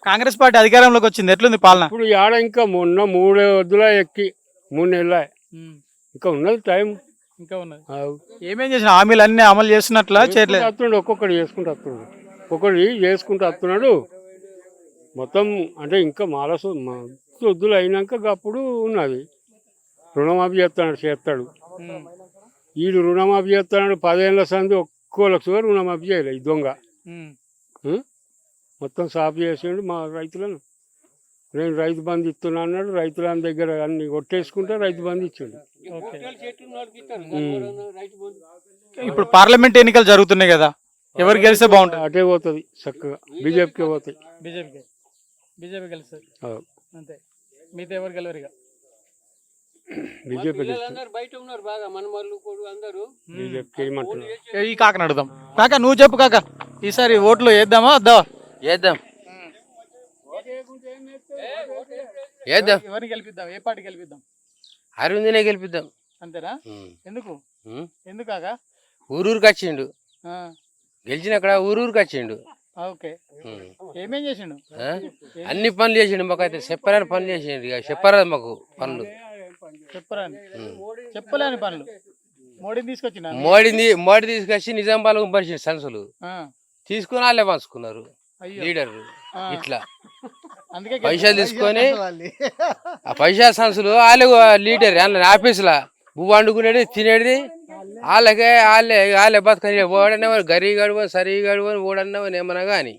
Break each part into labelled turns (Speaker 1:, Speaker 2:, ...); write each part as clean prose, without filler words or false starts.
Speaker 1: Congress party అధికారంలోకి వచ్చింది, ఎట్లుంది పాలన?
Speaker 2: ఇప్పుడు ఆడ ఇంకా మొన్న 3 వద్దుల ఎక్కి 3 నెలల ఇంకా ఉన్నది టైం.
Speaker 1: ఇంకా ఉన్నది. ఏమేం చేసిన హామీలు అన్ని అమలు చేస్తున్నట్లా చేయట్లేదు?
Speaker 2: వస్తుండు, ఒక్కొక్కటి చేసుకుంటూ వస్తున్నాడు, ఒక్కొక్కటి చేసుకుంటూ వస్తున్నాడు మొత్తం. అంటే ఇంకా వద్దులు అయినాక అప్పుడు ఉన్నది. రుణమాఫీ చేస్తాడు వీడు, రుణమాఫీ చేస్తాడు 10 ఏళ్ళ సంది ఒక్కో లక్ష రుణమాఫీ చేయలేదు ఈ దొంగ. మొత్తం సాఫ్ చేసిండు మా రైతులను. నేను రైతు బంధు ఇస్తున్నా అన్నాడు, రైతుల దగ్గర అన్ని కొట్టేసుకుంటే రైతు బంధు ఇచ్చిండు.
Speaker 1: ఇప్పుడు పార్లమెంట్ ఎన్నికలు జరుగుతున్నాయి కదా, ఎవరు గెలిస్తే బాగుంటుంది?
Speaker 2: అటే పోతుంది చక్కగా, బీజేపీకి పోతాయి.
Speaker 1: బీజేపీ గెలుస్తుంది అంతే, మీతో ఎవరు గెలవరు ఇక?
Speaker 2: బీజేపీ
Speaker 1: ఈ కాకని అడుగుదాం. కాక నువ్వు చెప్పు కాక, ఈసారి ఓట్లు వేద్దామా వద్దావా?
Speaker 3: వేద్దాం.
Speaker 1: ఎవరిని గెలిపిద్దాం? ఏ పార్టీ గెలిపిద్దాం?
Speaker 3: అరవిందనే గెలిపిద్దాం.
Speaker 1: అంతేనా? ఎందుకు ఎందుకు కాక?
Speaker 3: ఊరూరికి వచ్చిండు, గెలిచిన అక్కడ ఊరూరికి వచ్చిండు.
Speaker 1: ఓకే, ఏమేం చేసిండు?
Speaker 3: అన్ని పనులు చేసిండు, మాకైతే చెప్పరాని పనులు చేసిండు. ఇక చెప్పరాదు మాకు పనులు,
Speaker 1: చెప్పలేని పనులు. మోడీని తీసుకొచ్చిన
Speaker 3: మోడీ తీసుకొచ్చి నిజామాబాద్ పరిచిండు సంచులు తీసుకుని వాళ్ళే పంచుకున్నారు లీడర్. ఇట్లా పైసలు తీసుకొని ఆ పైసా సంచులు వాళ్ళే లీడర్ ఆఫీసులో పువ్వు వండుకునేది తినేది వాళ్ళే బతకని. ఓడన్నవని గరీ గడువని సరి గడువని ఓడన్నవని ఏమన్నా కానీ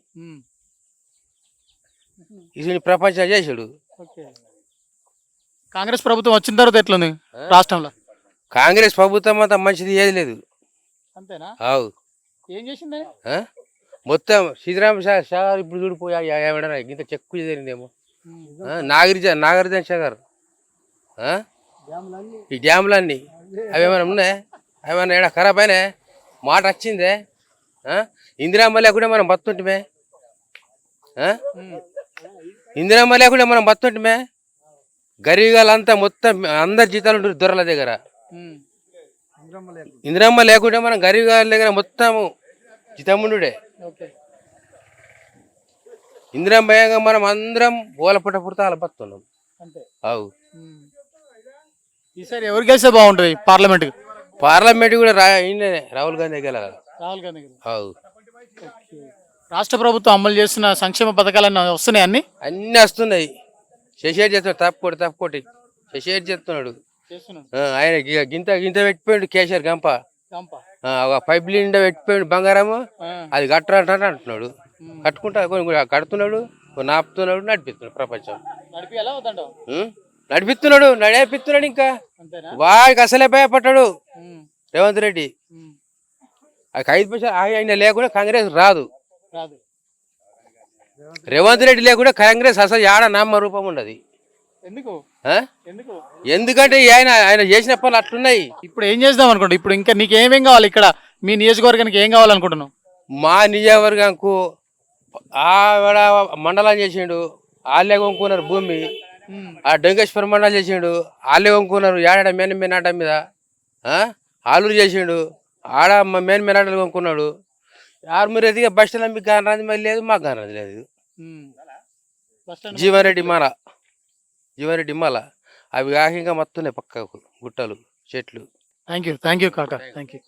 Speaker 3: ఇది ప్రపంచం చేసాడు.
Speaker 1: కాంగ్రెస్ ప్రభుత్వం వచ్చిన తర్వాత ఎట్లుంది రాష్ట్రంలో?
Speaker 3: కాంగ్రెస్ ప్రభుత్వం అంతా మంచిది ఏది లేదు.
Speaker 1: అంతేనా?
Speaker 3: అవు
Speaker 1: ఏం చేసింది
Speaker 3: మొత్తం సీతారామ సాగర్ ఇప్పుడు చూడిపోయా ఇంత చెక్కు జరిగిందేమో. నాగార్జున సాగర్ ఈ డ్యాములన్నీ అవి ఏమైనా ఉన్నాయా? ఏమైనా ఏడా ఖరాబ్ అయినా మాట వచ్చిందే? ఇందిరామ్మ లేకుండా మనం బతుంటమే, ఇందిరామ్మ లేకుండా మనం బతుంటమే. గరీగాలంతా మొత్తం అందరి జీతాలు ఉంటుంది దొరల దగ్గర. ఇందిరమ్మ లేకుంటే మనం గరీబ్ గారి దగ్గర మొత్తం జీతముండుడే. ఇందిరమ్మ భయంగా మనం అందరం ఓలపుట్ట పుడతా అలా బతున్నాం. అవు
Speaker 1: ఈసారి ఎవరు గెలిస్తే బాగుంటుంది పార్లమెంట్?
Speaker 3: పార్లమెంట్ కూడా రాహుల్ గాంధీ గెలాలి.
Speaker 1: రాహుల్ గాంధీ.
Speaker 3: అవు
Speaker 1: రాష్ట్ర ప్రభుత్వం అమలు చేస్తున్న సంక్షేమ పథకాలన్నీ వస్తున్నాయి,
Speaker 3: అన్ని వస్తున్నాయి. శశేర్ చేస్తున్నాడు, తప్పుకోటి శశేర్ చేస్తున్నాడు. ఆయన గింత పెట్టిపోయాడు కేసీఆర్ గంప, పైప్ లైన్ పెట్టిపోయాడు బంగారము. అది కట్టరా అంటున్నాడు, కడుతున్నాడు, నాపుతున్నాడు, నడిపిస్తున్నాడు. ప్రపంచం నడిపిస్తున్నాడు. ఇంకా వాడికి అసలే భయపడ్డాడు రేవంత్ రెడ్డి. 5% ఆయన లేకుండా కాంగ్రెస్ రాదు. రేవంత్ రెడ్డి లేకుండా కాంగ్రెస్ అసలు ఏడ నామ రూపం ఉండదు. ఎందుకంటే ఆయన చేసిన పనులు అట్లున్నాయి.
Speaker 1: ఇప్పుడు ఏం చేద్దాం అనుకుంటా? ఇప్పుడు ఇంకా నీకు ఏమేం కావాలి? ఇక్కడ మీ నియోజకవర్గానికి ఏం కావాలనుకుంటున్నావు?
Speaker 3: మా నియోజకవర్గంకు మండలం చేసిండు, వాళ్ళే కొనుక్కున్నారు భూమి. ఆ డొంకేశ్వర మండలం చేసిండు, వాళ్ళే కొనుక్కున్నారు. ఏడాడ మేనాట మీద ఆలూరు చేసిండు, ఆడ మేనాటలు కొనుక్కున్నాడు. ఆర్మూరు ఎదిగా బస్ స్టాండ్ మీకు గానరాజు మరి లేదు, మాకు గానరాజు లేదు. జీవారెడ్డి మాల అవి కాక ఇంకా మొత్తం పక్కకు గుట్టలు చెట్లు.
Speaker 1: థ్యాంక్ యూ కాకా, థ్యాంక్ యూ.